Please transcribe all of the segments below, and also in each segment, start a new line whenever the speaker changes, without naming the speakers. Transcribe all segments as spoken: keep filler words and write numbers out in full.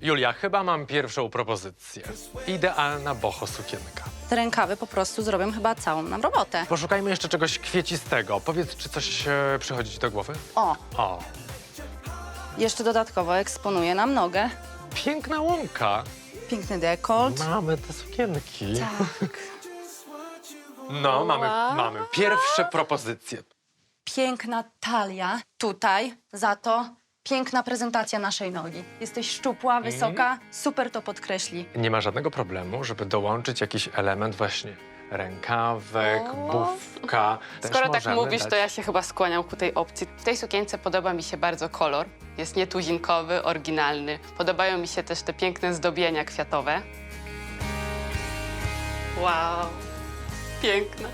Julia, chyba mam pierwszą propozycję. Idealna boho sukienka.
Te rękawy po prostu zrobią chyba całą nam robotę.
Poszukajmy jeszcze czegoś kwiecistego. Powiedz, czy coś e, przychodzi ci do głowy?
O,
O,
jeszcze dodatkowo eksponuje nam nogę.
piękna łąka.
Piękny dekolt.
Mamy te sukienki.
Tak.
No, mamy, mamy pierwsze propozycje.
Piękna talia tutaj, za to piękna prezentacja naszej nogi. Jesteś szczupła, wysoka, super to podkreśli.
Nie ma żadnego problemu, żeby dołączyć jakiś element właśnie rękawek, bufka. Też
Skoro tak
możemy
mówisz,
dać-
to ja się chyba skłaniam ku tej opcji. W tej sukience podoba mi się bardzo kolor. Jest nietuzinkowy, oryginalny. Podobają mi się też te piękne zdobienia kwiatowe. Wow, piękna.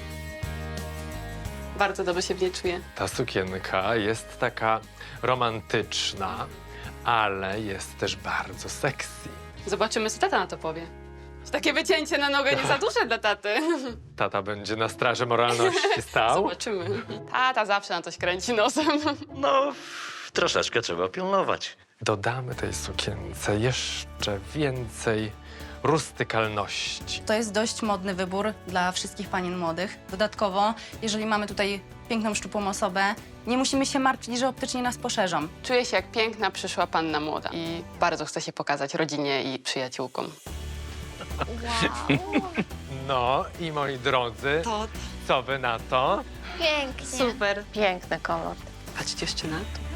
Bardzo dobrze się w niej czuję.
Ta sukienka jest taka romantyczna, ale jest też bardzo sexy.
Zobaczymy, co tata na to powie. Czy takie wycięcie na nogę nie za duże dla taty?
Tata będzie na straży moralności stał.
Zobaczymy. Tata zawsze na coś kręci nosem.
No, troszeczkę trzeba pilnować.
Dodamy tej sukience jeszcze więcej rustykalności.
To jest dość modny wybór dla wszystkich panien młodych. Dodatkowo, jeżeli mamy tutaj piękną, szczupłą osobę, nie musimy się martwić, że optycznie nas poszerzą.
Czuję się jak piękna przyszła panna młoda i bardzo chcę się pokazać rodzinie i przyjaciółkom.
No i moi drodzy, co wy na to?
Pięknie.
Super.
Piękny kolor.
Patrzcie jeszcze na to.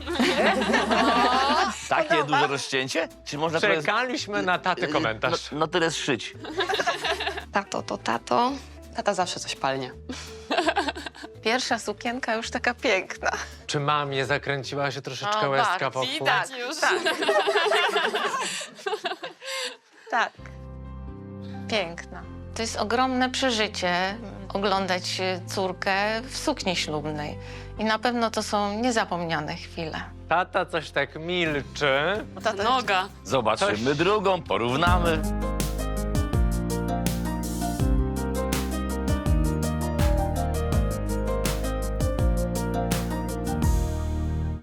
Takie duże rozcięcie? Czy można trochę...
Czekaliśmy na taty komentarz.
No, no tyle zszyć.
Tato to tato.
Tata zawsze coś palnie.
Pierwsza sukienka już taka piękna.
Czy mamie zakręciła się troszeczkę łezka wokół?
Widać już.
Tak. Piękna. To jest ogromne przeżycie oglądać córkę w sukni ślubnej. I na pewno to są niezapomniane chwile.
Tata coś tak milczy.
Ta noga.
Zobaczymy drugą, porównamy.